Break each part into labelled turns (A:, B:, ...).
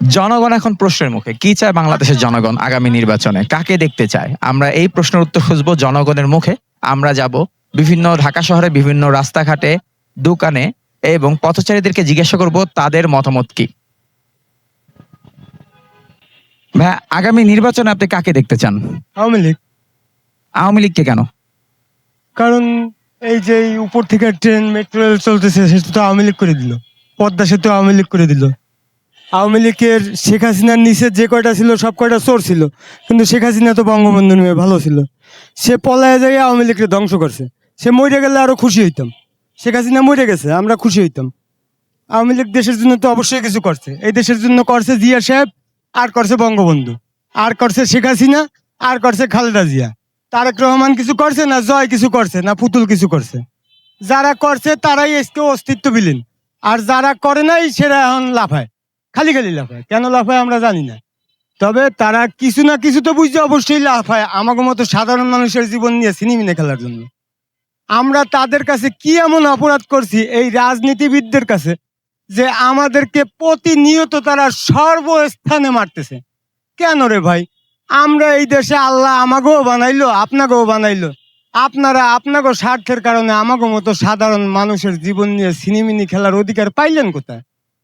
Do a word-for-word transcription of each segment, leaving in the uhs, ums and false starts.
A: জনগণ এখন প্রশ্নের মুখে। কি চায় বাংলাদেশের জনগণ আগামী নির্বাচনে? কাকে দেখতে চায়? আমরা এই প্রশ্নের উত্তর খুঁজবো জনগণের মুখে। আমরা যাব বিভিন্ন ঢাকা শহরে বিভিন্ন রাস্তাঘাটে, দোকানে এবং পথচারীদেরকে জিজ্ঞাসা করব তাদের মতামত কি। ভাইয়া, আগামী নির্বাচনে আপনি কাকে দেখতে চান?
B: আওয়ামী লীগ।
A: আওয়ামী লীগকে কেন?
B: কারণ এই যে এই উপর থেকে ট্রেন মেট্রো রেল চলতেছে সেটা তো আওয়ামী লীগ করে দিল। পদ্মা সেতু আওয়ামী লীগ করে দিল। আওয়ামী লীগের শেখ হাসিনার নিচে যে কয়টা ছিল সব কয়টা চোর ছিল, কিন্তু শেখ হাসিনা তো বঙ্গবন্ধুর মেয়ে ভালো ছিল। সে পলায় যায় আওয়ামী লীগকে ধ্বংস করছে। সে মরে গেলে আরো খুশি হইতাম। শেখ হাসিনা মরে গেছে, আমরা খুশি হইতাম। আওয়ামী লীগ দেশের জন্য তো অবশ্যই কিছু করছে। এই দেশের জন্য করছে জিয়া সাহেব, আর করছে বঙ্গবন্ধু, আর করছে শেখ হাসিনা, আর করছে খালেদা জিয়া। তারেক রহমান কিছু করছে না, জয় কিছু করছে না, পুতুল কিছু করছে। যারা করছে তারাই আজকে অস্তিত্ব বিলীন, আর যারা করে নাই সেটা এখন লাফায়, খালি খালি লাফায়। কেন লাফায় আমরা জানি না, তবে তারা কিছু না কিছু তো বুঝতে অবশ্যই লাফায় আমাকে মতো সাধারণ মানুষের জীবন নিয়ে সিনেমিনে খেলার জন্য। আমরা তাদের কাছে কি এমন অপরাধ করছি এই রাজনীতিবিদদের কাছে যে আমাদেরকে প্রতিনিয়ত তারা সর্বস্থানে মারতেছে? কেন রে ভাই? আমরা এই দেশে আল্লাহ আমাকেও বানাইলো, আপনাকেও বানাইলো। আপনারা আপনাকে স্বার্থের কারণে আমাকে মতো সাধারণ মানুষের জীবন নিয়ে সিনেমিনি খেলার অধিকার পাইলেন কোথায়?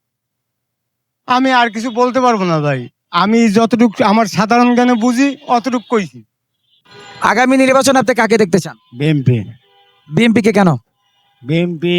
B: আমি আর কিছু বলতে পারবো না ভাই। আমি যতটুকু আমার সাধারণ জ্ঞানে বুঝি অতটুকু কইছি।
A: আগামী নির্বাচনে আপনি কাকে দেখতে চান?
C: বিএনপি।
A: বিএনপিকে কেন?
C: বিএনপি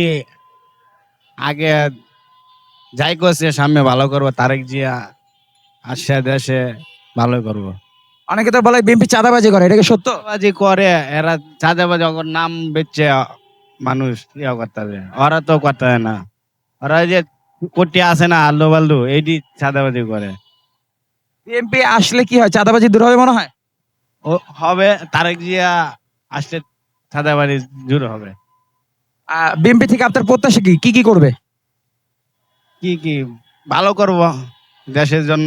C: আগে যাই করছে সামনে ভালো করবো, তারেক জিয়া আসছে দেশে ভালো করবো।
A: অনেকে তো বলে বিএনপি চাঁদাবাজি করে, এটা কি সত্য?
C: চাঁদাবাজি করে এরা, চাঁদাবাজি ওর নাম বেচছে মানুষ ইয়া করতে হবে, ওরা তো করতে হয় না। ওরা যে কোটি আছে না আল্লু বাল্লু, এইটি চাঁদাবাজি করে।
A: বিএনপি আসলে কি হয়, চাঁদাবাজি দূর হবে মনে হয়?
C: ও হবে, তারেক জিয়া আসলে চাঁদাবাজি দূর হবে।
A: বিএনপি থেকে আপনার প্রত্যাশা কি? কি কি করবে?
C: কি কি ভালো করব দেশের জন্য,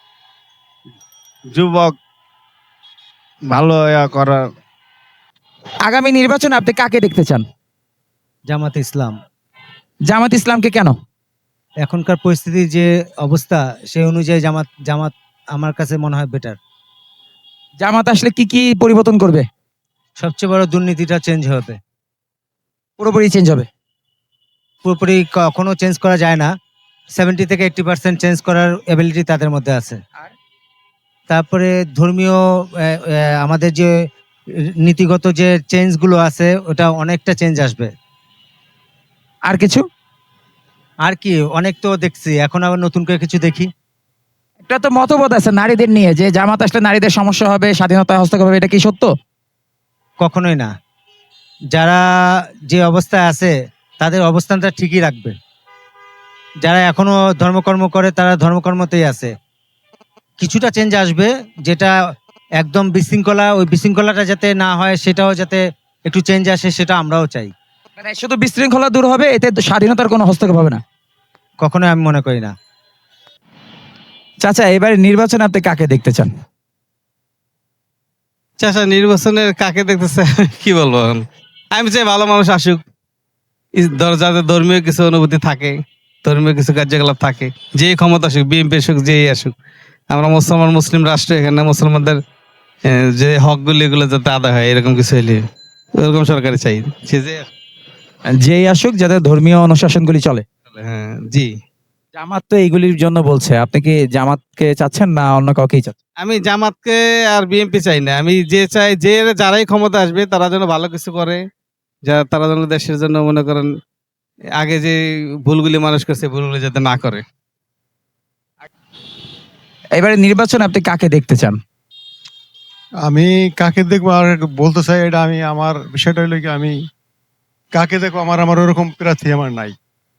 C: যুবক ভালো ইয়া করার।
A: আগামী নির্বাচনে আপনি কাকে দেখতে চান?
D: জামাত ইসলাম।
A: জামাত ইসলামকে কেন?
D: এখনকার পরিস্থিতির যে অবস্থা সেই অনুযায়ী জামাত জামাত আমার কাছে মনে হয় বেটার।
A: জামাত আসলে কি কি পরিবর্তন করবে?
D: সবচেয়ে বড় দুর্নীতিটা চেঞ্জ হবে,
A: পুরোপুরি চেঞ্জ হবে।
D: পুরোপুরি কখনো চেঞ্জ করা যায় না, সেভেন্টি থেকে এইটটি পার্সেন্ট চেঞ্জ করার এবিলিটি তাদের মধ্যে আছে। তারপরে ধর্মীয় আহ, আহ, আমাদের যে নীতিগত যে চেঞ্জগুলো আছে ওটা অনেকটা চেঞ্জ আসবে।
A: আর কিছু?
D: আর কি অনেক তো দেখছি, এখন আবার নতুন করে কিছু দেখি।
A: একটা তো মতবাদ আছে নারীদের নিয়ে, যে জামাত আসলে নারীদের সমস্যা হবে, স্বাধীনতা হস্তক্ষেপ হবে, এটা কি সত্য?
D: কখনোই না। যারা যে অবস্থায় আছে তাদের অবস্থানটা ঠিকই রাখবে। যারা এখনো ধর্মকর্ম করে তারা ধর্মকর্মতেই আছে। কিছুটা চেঞ্জ আসবে, যেটা একদম বিশৃঙ্খলা, ওই বিশৃঙ্খলাটা যাতে না হয় সেটাও যাতে একটু চেঞ্জ আসে, সেটা আমরাও চাই।
A: মানে শুধু বিশৃঙ্খলা দূর হবে, এতে স্বাধীনতার কোনো হস্তক্ষেপ হবে না?
D: কখনোই আমি মনে করি না।
A: চাচা, এবারে নির্বাচনে আপনি কাকে দেখতে চান?
E: চাচা, নির্বাচনের কাকে দেখতেছে কি বলবো, আমি চাই ভালো মানুষ আসুক, যাতে ধর্মীয় কিছু অনুভূতি থাকে, ধর্মীয় কিছু কার্যকলাপ থাকে, যে ক্ষমতা আসুক, বিএনপি আসুক, যেই আসুক। আমরা মুসলমান, মুসলিম রাষ্ট্র, এখানে মুসলমানদের যে হকগুলি এগুলো যাতে আদায় হয়, এরকম কিছু হইলে এরকম সরকারি চাই, সে যে
A: যেই আসুক যাতে ধর্মীয় অনুশাসনগুলি চলে।
E: হ্যাঁ জি।
A: জামাত তো এইগুলির জন্য বলছে, আপনি কি জামাতকে চাচ্ছেন না অন্য কাউকেই চাচ্ছেন?
E: আমি জামাতকে আর বিএনপি চাই না, আমি যে চাই যে যারাই ক্ষমতা আসবে তারা যেন ভালো কিছু করে, যা তারা যেন দেশের জন্য মনে করেন আগে যে ভুলগুলি মানুষ করছে ভুলগুলি যাতে না করে।
A: এবারে নির্বাচনে আপনি কাকে দেখতে চান?
F: আমি কাকে দেখবো আর বলতে চাই, এটা আমি আমার বিষয়টা হইলো কি, আমি কাকে দেখবো আমার আমার ওরকম প্রার্থী আমার নাই।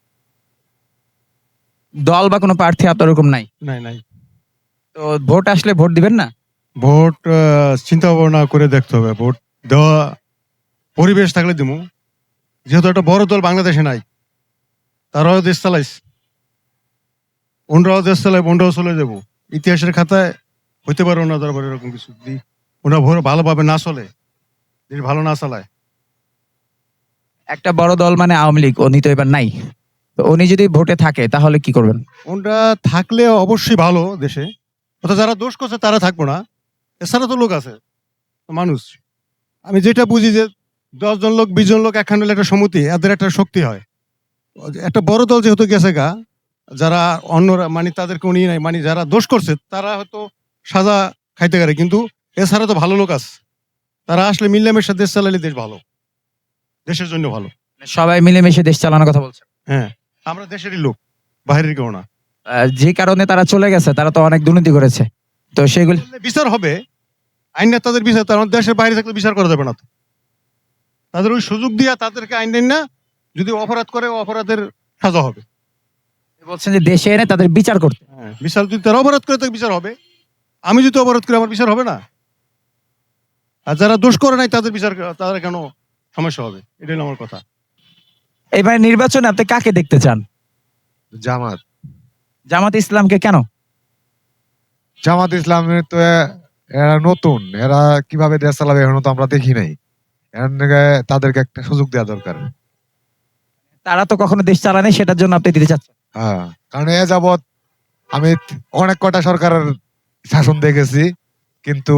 A: দল বা কোনো প্রার্থী আপনার ওরকম নাই?
F: নাই নাই
A: তো ভোট আসলে ভোট দিবেন না?
F: ভোট আহ, চিন্তা ভাবনা করে দেখতে হবে। ভোট দেওয়া পরিবেশ থাকলে দিমু, যেহেতু একটা বড় দল বাংলাদেশে নাই, তারাও দেশ চালাইছে, অন্যরাও দেশ চালাই, অন্যরাও চলে যাবো। ইতিহাসের খাতায় হইতে পারে ওনার দরবার এরকম কিছু, যদি ওনার ভোট ভালোভাবে না চলে, যদি ভালো না চালায়।
A: একটা বড় দল মানে আওয়ামী লীগ, উনি তো এবার নাই। তো উনি যদি ভোটে থাকে তাহলে কি করবেন?
F: ওনটা থাকলে অবশ্যই ভালো দেশে, অর্থাৎ যারা দোষ করছে তারা থাকবো না, এছাড়া তো লোক আছে, মানুষ। আমি যেটা বুঝি যে দশ জন লোক বিশ জন লোক একখান হলে একটা সমিতি, এদের একটা শক্তি হয়। একটা বড় দল যেহেতু গেছে গা, যারা অন্যরা মানে তাদেরকে উনি নাই, মানে যারা দোষ করছে তারা হয়তো সাজা খাইতে পারে, কিন্তু এছাড়া তো ভালো লোক আছে, তারা আসলে মিলেমিশে দেশ চালালে দেশ ভালো, দেশের জন্য ভালো।
A: সবাই মিলেমিশে দেশ চালানোর কথা বলছে।
F: হ্যাঁ, আমরা দেশেরই লোক, বাইরের কেউ না।
A: আহ, যে কারণে তারা চলে গেছে, তারা তো অনেক দুর্নীতি করেছে, তো সেগুলি
F: বিচার হবে, আইন তাদের বিচার, তার দেশের বাইরে থাকলে বিচার করা যাবে না তো। তাদের ওই সুযোগ দিয়া তাদেরকে আইন দেন না, যদি অপরাধ করে অপরাধের সাজা হবে।
A: বলছেন যে দেশে এনে তাদের বিচার করতে।
F: হ্যাঁ, বিচার যদি তারা অপরাধ করে তাকে বিচার হবে, আমি যদি অপরাধ করি আমার বিচার হবে না? আর যারা দোষ করে নাই তাদের বিচার, তাদের কেন সমস্যা হবে? এটাই হলো আমার কথা।
A: এবার নির্বাচনে আপনি কাকে দেখতে চান?
G: জামাত
A: জামাত ইসলামকে কেন?
G: জামাত ইসলামের তো এ- এরা নতুন, এরা কিভাবে দেশ চালাবে এখনো তো আমরা দেখি নাই। এর নাকি তাদেরকে একটা সুযোগ দেওয়া দরকার।
A: তারা তো কখনো দেশ চালানি, সেটার জন্য আপনি দিতে চাচ্ছেন।
G: হ্যাঁ, কারণ এ যাবৎ আমি অনেক কটা সরকারের শাসন দেখেছি, কিন্তু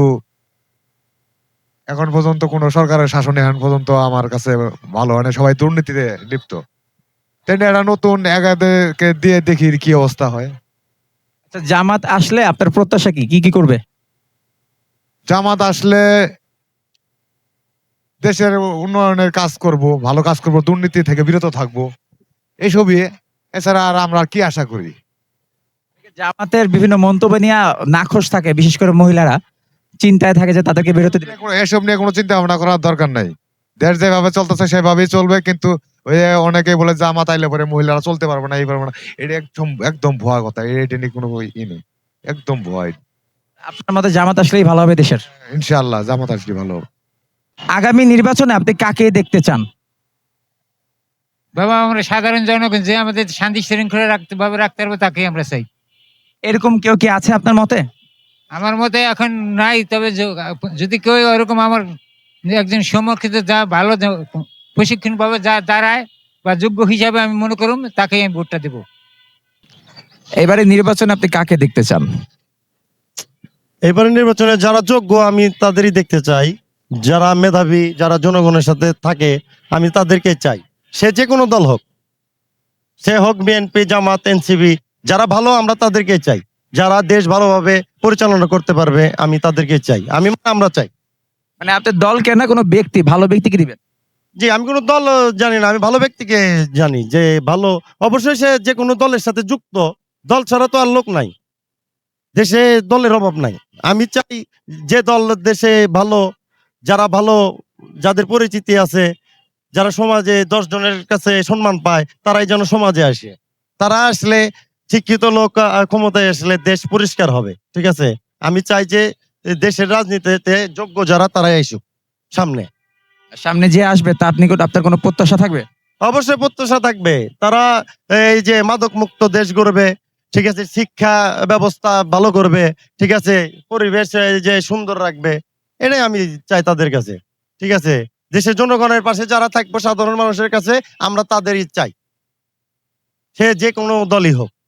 G: এখন পর্যন্ত কোন সরকারের শাসন এখন পর্যন্ত আমার কাছে ভালো হয় না, সবাই দুর্নীতিতে লিপ্ত। তাই না, এরা নতুন, এগাদেরকে দিয়ে দেখি কি অবস্থা হয়।
A: আচ্ছা, জামাত আসলে আপনার প্রত্যাশা কি কি কি করবে?
G: জামাত আসলে দেশের উন্নয়নের কাজ করব, ভালো কাজ করব, দুর্নীতি থেকে বিরত থাকবো, এইসবই। এছাড়া আর আমরা কি আশা করি?
A: জামাতের বিভিন্ন মন্তব্য নিয়ে নাখোশ থাকে, বিশেষ করে মহিলারা চিন্তায় থাকে যে তাদেরকে বিরত দিবে।
G: কোনো- এসব নিয়ে কোনো চিন্তা ভাবনা করার দরকার নাই। দেশ যেভাবে চলতেছে সেভাবেই চলবে, কিন্তু ওই যে অনেকেই বলে জামাত আইলে পরে মহিলারা চলতে পারবে না, এই পারবে না, এটা একদম একদম ভুয়া কথা। এটা নিয়ে কোনো ই নেই, একদম ভুয়া।
A: আপনার মতে জামাত আসলেই ভালো হবে দেশের?
G: ইনশাআল্লাহ জামাত আসলে ভালো হবে।
A: আগামী নির্বাচনে আপনি কাকে দেখতে চান?
H: বাবা, আমরা সাধারণ জনগণ যে আমাদের শান্তি শৃঙ্খলা রাখতে ভাবে রাখতে পারবো তাকেই আমরা চাই।
A: এরকম কেউ কি আছে আপনার মতে?
H: আমার মতে এখন নাই, তবে য- যদি কেউ ওরকম আমার একজন সমর্থিত যা ভালো প্রশিক্ষণ পাবে যা দাঁড়ায় বা যোগ্য হিসাবে আমি মনে করুম তাকেই আমি ভোটটা দেবো।
A: এবারে নির্বাচনে আপনি কাকে দেখতে চান?
I: এবারে নির্বাচনে যারা যোগ্য আমি তাদেরই দেখতে চাই, যারা মেধাবী, যারা জনগণের সাথে থাকে আমি তাদেরকে চাই। সে যে কোনো দল হোক, সে হোক বিএনপি, জামাত, এনসিপি, যারা ভালো আমরা তাদেরকে চাই। যারা দেশ ভালোভাবে পরিচালনা করতে পারবে আমি তাদেরকে চাই, আমি মানে আমরা চাই।
A: মানে আপনি দলকে না, কোনো ব্যক্তি, ভালো ব্যক্তিকে দিবেন?
I: জি, আমি কোনো দল জানি না, আমি ভালো ব্যক্তিকে জানি যে ভালো। অবশ্যই সে যে কোনো দলের সাথে যুক্ত, দল ছাড়া তো আর লোক নাই, দেশে দলের অভাব নাই। আমি চাই যে দল দেশে ভালো, যারা ভালো, যাদের পরিচিতি আছে, যারা সমাজে দশ জনের কাছে সম্মান পায়, তারাই যেন সমাজে আসে। তারা আসলে, শিক্ষিত লোক আহ, ক্ষমতায় আসলে দেশ পরিষ্কার হবে। ঠিক আছে, আমি চাই যে দেশের রাজনীতিতে যোগ্য যারা তারাই আসুক সামনে।
A: সামনে যে আসবে তার নিকট আপনার কোনো প্রত্যাশা থাকবে?
I: অবশ্যই প্রত্যাশা থাকবে, তারা এই যে মাদক মুক্ত দেশ গড়বে, ঠিক আছে, শিক্ষা ব্যবস্থা ভালো করবে, ঠিক আছে, পরিবেশ এই যে সুন্দর রাখবে, এটাই আমি চাই তাদের কাছে। ঠিক আছে, দেশের জনগণের পাশে যারা থাকবো, সাধারণ মানুষের কাছে আমরা তাদেরই চাই, সে যে কোনো দলই হোক।